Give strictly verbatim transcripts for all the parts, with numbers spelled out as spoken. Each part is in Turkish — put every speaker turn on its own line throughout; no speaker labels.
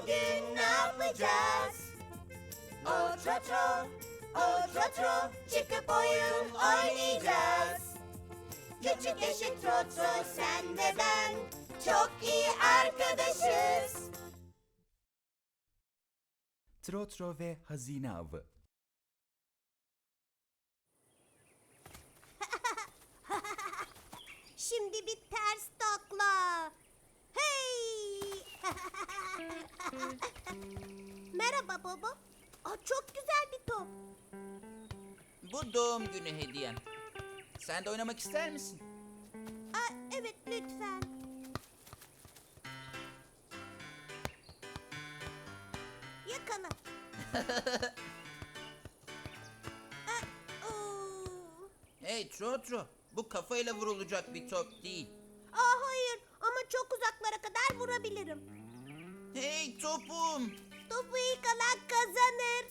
bugün ne yapacağız? O trotro, o trotro, çıkıp oyun oynayacağız. Küçük eşit trotro, sen ve ben çok iyi arkadaşız.
Trotro ve hazine avı.
Şimdi bir ters takla. Hey! Merhaba baba. Aa, çok güzel bir top.
Bu doğum günü hediyem. Sen de oynamak ister misin?
Aa, evet lütfen. Yakala. Aa, oo.
Hey Trotro, bu kafayla vurulacak bir top değil.
Aa, hayır ama çok uzaklara kadar vurabilirim.
Hey topum!
Topu ilk alan kazanır.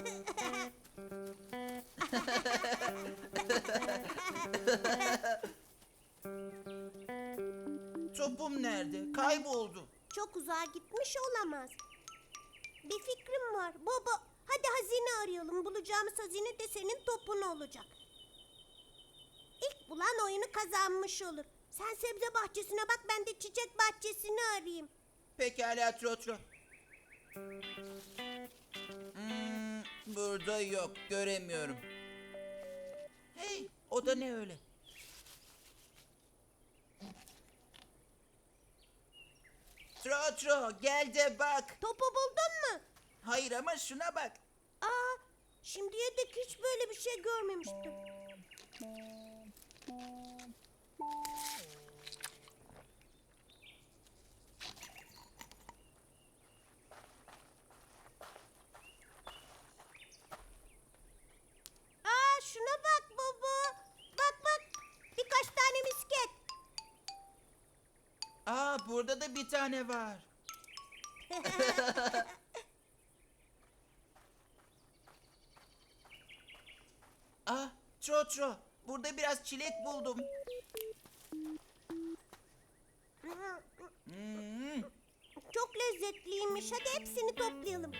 Topum nerede? Kayboldu.
Çok uzağa gitmiş olamaz. Bir fikrim var. Baba, hadi hazine arayalım. Bulacağımız hazine de senin topun olacak. İlk bulan oyunu kazanmış olur. Sen sebze bahçesine bak, ben de çiçek bahçesini arayayım.
Pekala Trotro. Hmm, burada yok, göremiyorum. Hey, o da ne öyle? Trotro, gel de bak.
Topu buldun mu?
Hayır ama şuna bak.
Aa, şimdiye dek hiç böyle bir şey görmemiştim. Aa, şuna bak baba. Bak bak. Birkaç tane misket.
Aa, burada da bir tane var. Ah, Trotro, burada biraz çilek buldum. Hmm,
Çok lezzetliymiş. Hadi hepsini toplayalım.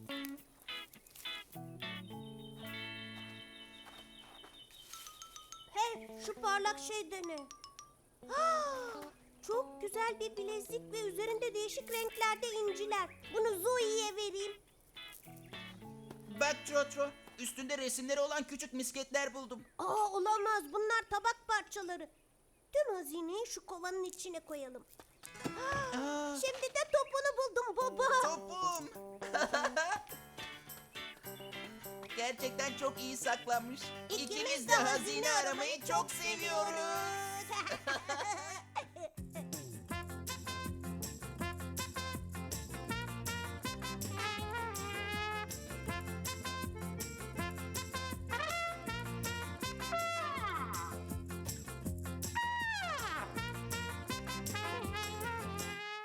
Hey, şu parlak şey de ne? Ah, çok güzel bir bilezik ve üzerinde değişik renklerde inciler. Bunu Zoe'ye vereyim.
bak Trotro, üstünde resimleri olan küçük misketler buldum.
Aa, olamaz. Bunlar tabak parçaları. Tüm hazineyi şu kovanın içine koyalım. Ah,
Aa,
şimdi de topunu buldum baba.
topum. Gerçekten çok iyi saklanmış. İkimiz de hazine aramayı çok seviyoruz.